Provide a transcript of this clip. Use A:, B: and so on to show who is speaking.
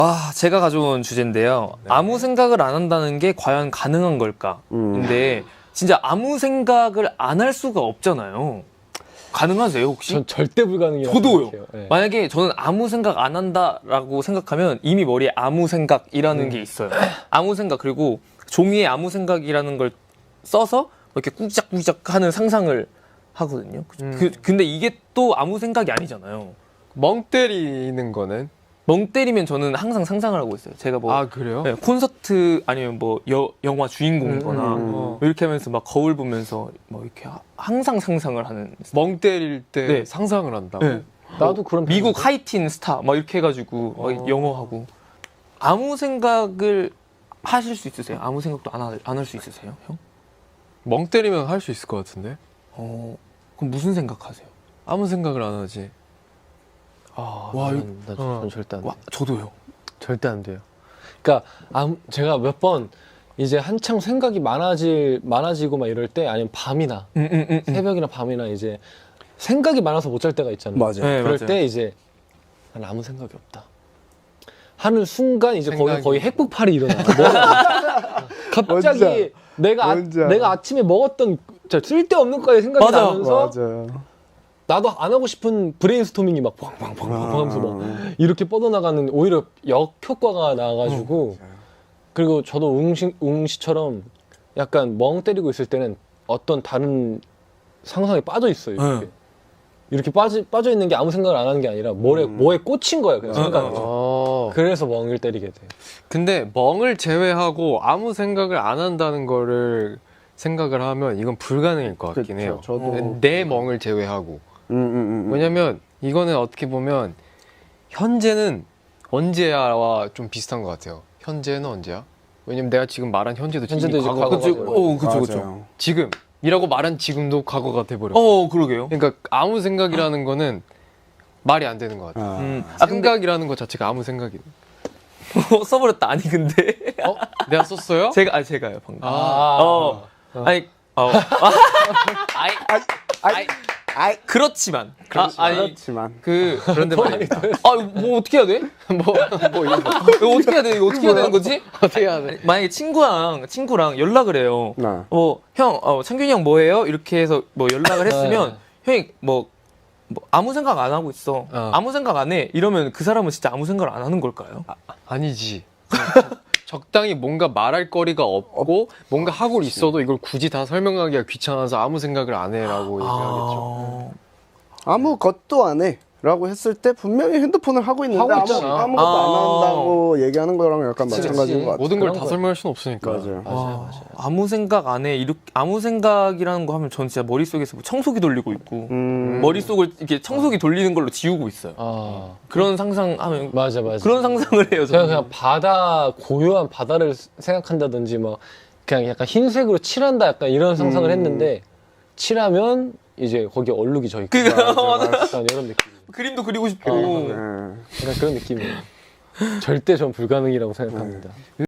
A: 제가 가져온 주제인데요.
B: 네.
A: 아무 생각을 안 한다는 게 과연 가능한 걸까? 근데 진짜 아무 생각을 안 할 수가 없잖아요. 가능하세요 혹시?
B: 전 절대 불가능이라고
A: 저도요.
B: 생각해요. 네.
A: 만약에 저는 아무 생각 안 한다라고 생각하면 이미 머리에 아무 생각이라는 게 있어요. 아무 생각, 그리고 종이에 아무 생각이라는 걸 써서 이렇게 꾸작꾸작 하는 상상을 하거든요. 근데 이게 또 아무 생각이 아니잖아요.
C: 멍 때리는 거는?
A: 멍 때리면 저는 항상 상상을 하고 있어요. 제가 뭐
C: 아 그래요?
A: 네, 콘서트 아니면 뭐 영화 주인공이거나 이렇게 하면서 막 거울 보면서 뭐 이렇게 항상 상상을 하는.
C: 멍 때릴 때
A: 네.
C: 상상을 한다고?
A: 네.
B: 나도 그런
A: 미국
B: 편인데?
A: 하이틴 스타 막 이렇게 해가지고 막 영어 하고. 아무 생각을 하실 수 있으세요? 아무 생각도 안 할 수 있으세요, 형?
C: 멍 때리면 할 수 있을 것 같은데?
A: 그럼 무슨 생각하세요?
C: 아무 생각을 안 하지.
B: 와, 전 절대 안 돼요.
A: 와, 저도요.
B: 절대 안 돼요. 그러니까 제가 몇 번 이제 한창 생각이 많아지고 막 이럴 때, 아니면 밤이나 새벽이나 밤이나 이제 생각이 많아서 못 잘 때가 있잖아요.
D: 맞아요.
A: 네,
B: 그럴
A: 맞아요.
B: 때 이제 난 아무 생각이 없다 하는 순간 이제
C: 생각이-
B: 거의 핵폭발이 일어나요. 갑자기 내가 아침에 먹었던 진짜 쓸데없는 거에 생각이
A: 맞아.
B: 나면서
D: 맞아요.
B: 나도 안 하고 싶은 브레인스토밍이 막 팡팡팡팡 하면서 막 이렇게 뻗어나가는, 오히려 역효과가 나가지고. 그리고 저도 웅씨처럼 약간 멍 때리고 있을 때는 어떤 다른 상상에 빠져 있어요. 이렇게, 이렇게 빠져 있는 게 아무 생각을 안 하는 게 아니라 뭐에 꽂힌 거예요. 그냥 생각이. 그래서 멍을 때리게 돼.
C: 근데 멍을 제외하고 아무 생각을 안 한다는 거를 생각을 하면 이건 불가능일 것 같긴
D: 그쵸,
C: 해요.
D: 저도.
C: 내 멍을 제외하고. 왜냐면 이거는 어떻게 보면 현재는 언제야와 좀 비슷한 것 같아요. 현재는 언제야? 왜냐면 내가 지금 말한 현재도 지금
B: 현재도 이제
C: 과거가
B: 과거가
C: 돼버려.
B: 돼버려.
A: 그쵸.
C: 지금이라고 말한 지금도 과거가 돼버려.
A: 그러게요.
C: 그러니까 아무 생각이라는 거는 말이 안 되는 것 같아요.
A: 근데
C: 생각이라는 것 자체가 아무 생각이.
A: 써버렸다. 아니 근데
C: 내가 썼어요?
A: 제가요 방금. 그렇지만.
D: 그렇지만.
A: 그런데 말입니다. 뭐 어떻게 해야 돼? 이거 어떻게 해야 돼? 이거 어떻게 해야 되는 거지?
C: 어떻게 해야 돼?
A: 만약에 친구랑 연락을 해요.
D: 네.
A: 형, 창균이 형 뭐해요? 이렇게 해서 뭐 연락을 했으면 형이 뭐 아무 생각 안 하고 있어. 아무 생각 안 해. 이러면 그 사람은 진짜 아무 생각을 안 하는 걸까요?
C: 아니지. 적당히 뭔가 말할 거리가 없고 뭔가 하고 있어도 이걸 굳이 다 설명하기가 귀찮아서 아무 생각을 안 해라고 얘기하겠죠.
D: 아무것도 안 해. 라고 했을 때 분명히 핸드폰을 하고 있는데
B: 하고 있잖아.
D: 아무것도 안 한다고 얘기하는 거랑 약간 마찬가지인 것 같아요.
C: 모든 걸
B: 그런
C: 다
B: 거야.
C: 설명할 수는 없으니까.
D: 맞아요.
A: 아무 생각 안 해. 아무 생각이라는 거 하면 전 진짜 머릿속에서 뭐 청소기 돌리고 있고 머릿속을 이렇게 청소기 돌리는 걸로 지우고 있어요. 그런 상상하면
B: 맞아.
A: 그런 상상을 해요.
B: 제가
A: 저는.
B: 그냥 고요한 바다를 생각한다든지 뭐 그냥 약간 흰색으로 칠한다 약간 이런 상상을 했는데, 칠하면 이제 거기에 얼룩이 져 있고 약간 이런 느낌.
A: 그림도 그리고 싶고.
B: 약간 그런 느낌이에요. 절대 전 불가능이라고 생각합니다.